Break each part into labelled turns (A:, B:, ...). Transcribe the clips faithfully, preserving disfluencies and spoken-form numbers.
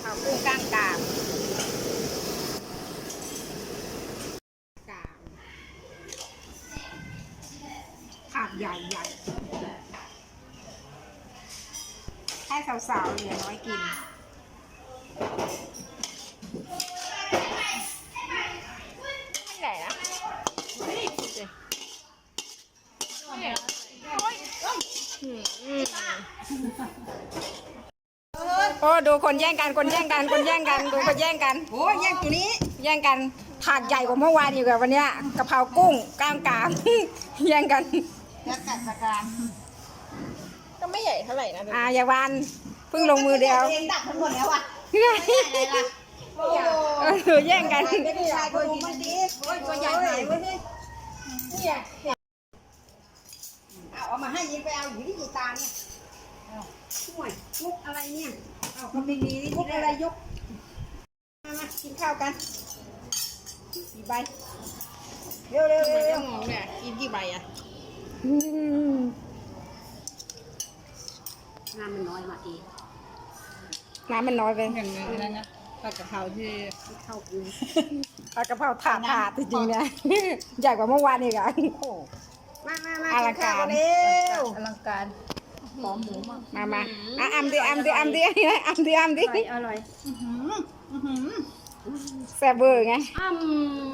A: ข้าวกุ้งก้างกามกามถาดใหญ่ใหญ่ให้สาวๆเหลือน้อยกินไม่ไหนนะโอ้ดูคนแย่งกันคนแย่งกันคนแย่งกันดูคนแย่งกันโอ้แย่งตัวนี้แย่งกันถาดใหญ่กว่าเมื่อวานอยู่กับวันเนี้ยกะเพรากุ้งก้างกามแย่งกันยักษ์กัดสการก็ไม่ใหญ่เท่าไหร่นะอ่าอย่าวันเพิ่งลงมือเดียวเองดักทั้งหมดแล้วอ่ะอะไรล่ะโอ้แย่งกันไม่ได้ชายคนมันดีตัวใหญ่ไหนวะนี่เนี่ยเอาเอามาให้ยิงไปเอาอยู่ที่กีตาเนี่ยช่วยมุกอะไรเนี่ยเอามันไม่มีมุกอะไรยกมามากินข้าวกันกี่ใบเร็วเร็วเร็วเร็วมองเนี่ยกินกี่ใบอ่ะน้ำมันน้อยมาเองน้ำมันน้อยไปอย่างนั้นนะผัดกะเพราที่เข้ากูผัดกะเพราถาดถาดจริงๆเนี่ยใหญ่กว่าเมื่อวานอีกอ่ะมามามาอลังการเร็วอลังการหอมหมูมากมามาอ่ะอัมดิอัมดิอัมดิอัมดิอัมดิอร่อยแซ่บเบอร์ไงอัม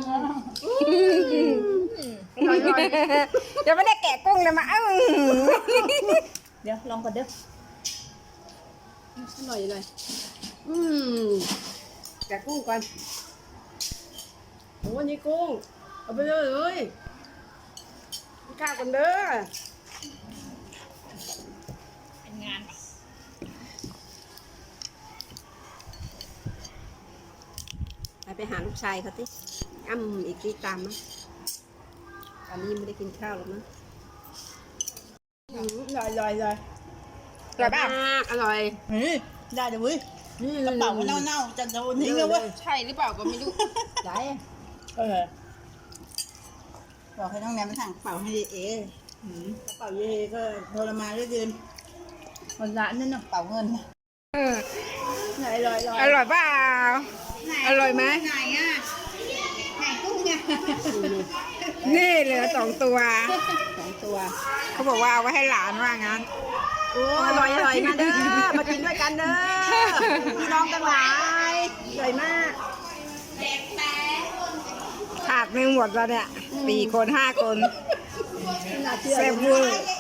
A: เดี๋ยวไม่ได้แกะกุ้งเลยมาอ้เดี๋ยวลองก่อนเด้ออร่อยเลยอืมแกะกุ้งก่อนโอ้นี่กุ้งเอาไปเลยเลยข้าวกันเด้อเป็นงานไปไปหาลูกชายเขาสิอ้ำอีกทีตามมั้ยตอนนี้ไม่ได้กินข้าวหรอกนะอร่อยอร่อยเลยอร่อยมากอร่อยได้เดี๋ยวเว้ยกระเป๋าเน่าๆจะโดนทิ้งแล้วเว้ยใช่หรือเปล่าก็ไม่รู้ได้เออบอกให้น้องแนมไปสั่งกระเป๋าให้เอ๋กระเป๋าเย่ก็โทรมาเรื่อยๆวันละนั่นน่ะกระเป๋าเงินเอออร่อยอร่อยเปล่าอร่อยไหมไหนอ่ะไหนกุ้งเนี่ยนี่เหลือสองตัวสองตัวเขาบอกว่าเอาไว้ให้หลานว่างั้นโอ้อร่อยอร่อยมาเด้อมากินด้วยกันเด้อพี่น้องทั้งหลายอร่อยมากถาดหนึ่งหมดแล้วเนี่ยสี่คนห้าคนเซฟเวอร์